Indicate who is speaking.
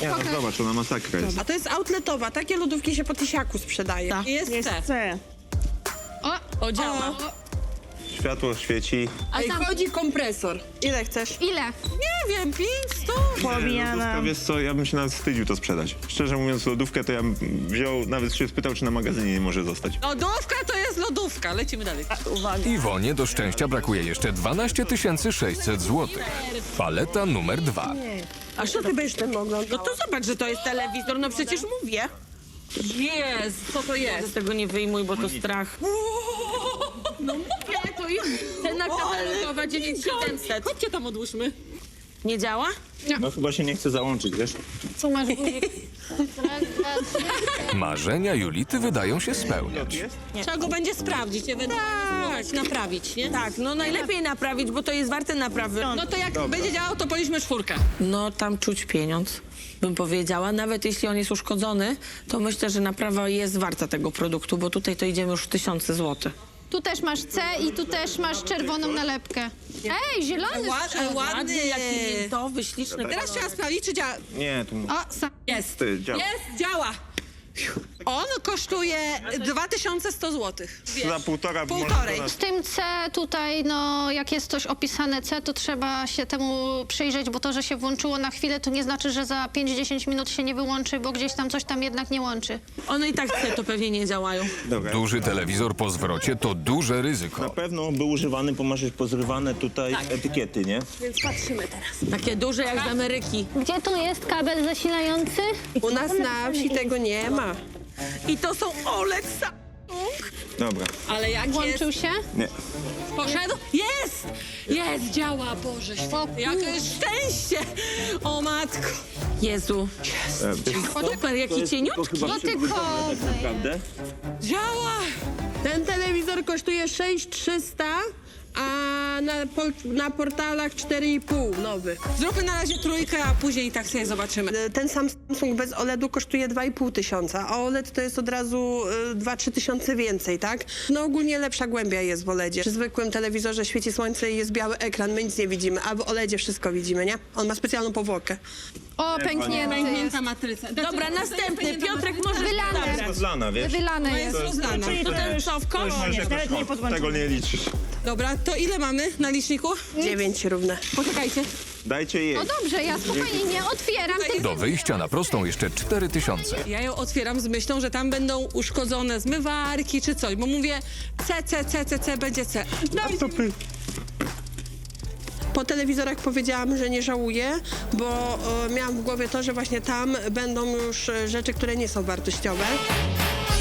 Speaker 1: Nie, no zobacz, ona masakra jest.
Speaker 2: A to jest outletowa, takie lodówki się po tysiaku sprzedaje.
Speaker 3: Tak.
Speaker 2: Jest C.
Speaker 4: C.
Speaker 3: O, działa.
Speaker 2: O.
Speaker 1: Światło świeci.
Speaker 3: A
Speaker 2: Ej,
Speaker 3: tam
Speaker 2: chodzi kompresor. Ile chcesz?
Speaker 3: ile?
Speaker 2: Nie wiem, 500.
Speaker 4: Pobijana.
Speaker 1: Lodówka, wiesz co, ja bym się nawet wstydził to sprzedać. Szczerze mówiąc, lodówkę to ja bym wziął, nawet się spytał, czy na magazynie nie może zostać.
Speaker 2: Lodówka to jest lodówka. Lecimy dalej.
Speaker 4: Uwaga.
Speaker 5: Iwonie do szczęścia brakuje jeszcze 12 600 zł. Paleta numer 2.
Speaker 2: A co ty będziesz ten oglądał? No to zobacz, że to jest telewizor, no przecież mówię. Jest, co to jest? Tego nie wyjmuj, bo to strach. No mówię, to jest cena katalogowa 9700. Chodźcie tam odłóżmy. Nie działa?
Speaker 1: No chyba się nie chce załączyć, wiesz?
Speaker 3: Co masz guzik?
Speaker 5: Marzenia Julity wydają się spełniać.
Speaker 2: Trzeba go będzie sprawdzić, ewentualnie naprawić, nie? Tak, no najlepiej naprawić, bo to jest warte naprawy. No to jak będzie działał, to policzmy 4. No tam czuć pieniądz, bym powiedziała. Nawet jeśli on jest uszkodzony, to myślę, że naprawa jest warta tego produktu, bo tutaj to idziemy już w 1000 złotych.
Speaker 3: Tu też masz C i tu też masz czerwoną nalepkę. Ej, zielony sprzęt.
Speaker 2: Ładny, jaki to wyśliczny. Teraz trzeba sprawdzić, czy działa.
Speaker 1: Nie, tu
Speaker 2: Jest.
Speaker 1: ty, działa.
Speaker 2: Jest, działa. On kosztuje 2100 zł.
Speaker 1: Za półtora.
Speaker 2: Półtorej.
Speaker 3: Z tym C tutaj, no jak jest coś opisane C, to trzeba się temu przyjrzeć, bo to, że się włączyło na chwilę, to nie znaczy, że za 5-10 minut się nie wyłączy, bo gdzieś tam coś tam jednak nie łączy.
Speaker 2: One i tak to pewnie nie działają.
Speaker 1: Dobra.
Speaker 5: Duży telewizor po zwrocie to duże
Speaker 1: Na
Speaker 5: ryzyko.
Speaker 1: pewno był używany, bo masz pozrywane tutaj etykiety, nie?
Speaker 2: Więc patrzymy teraz. Takie duże jak z Ameryki.
Speaker 3: Gdzie tu jest kabel zasilający?
Speaker 2: U nas na wsi tego nie ma. I to są OLED Samsung.
Speaker 1: Dobra.
Speaker 2: Ale jak jest?
Speaker 3: Włączył się?
Speaker 1: Nie.
Speaker 2: Poszedł? Jest! Jest, działa, Boże święty. Jakie szczęście! O matko. Jezu. Super, jaki cieniutki.
Speaker 3: Dotykowy.
Speaker 1: Naprawdę?
Speaker 2: Działa! Ten telewizor kosztuje 6300, a na portalach 4,5 nowy. Zróbmy na razie 3, a później tak sobie zobaczymy. Ten Samsung bez OLED-u kosztuje 2500, a OLED to jest od razu 2-3 tysiące więcej, tak? No ogólnie lepsza głębia jest w OLEDzie. Przy zwykłym telewizorze świeci słońce i jest biały ekran, my nic nie widzimy, a w OLEDzie wszystko widzimy, nie? On ma specjalną powłokę.
Speaker 3: O, pęknięty jest.
Speaker 2: matryca. Dobra, następny. Piotrek może...
Speaker 3: Wylane.
Speaker 1: Rozlana, wiesz?
Speaker 3: Wylane jest.
Speaker 2: rozlana. To ten co, w koło?
Speaker 4: Nawet nie podłączymy.
Speaker 1: Tego nie liczysz.
Speaker 2: Dobra, to ile mamy na liczniku? 9 równe. Poczekajcie.
Speaker 1: Dajcie jej.
Speaker 3: No dobrze, ja spokojnie nie otwieram.
Speaker 5: Do wyjścia na prostą jeszcze 4000.
Speaker 2: Ja ją otwieram z myślą, że tam będą uszkodzone zmywarki czy coś, bo mówię C, będzie C. Po telewizorach powiedziałam, że nie żałuję, bo miałam w głowie to, że właśnie tam będą już rzeczy, które nie są wartościowe.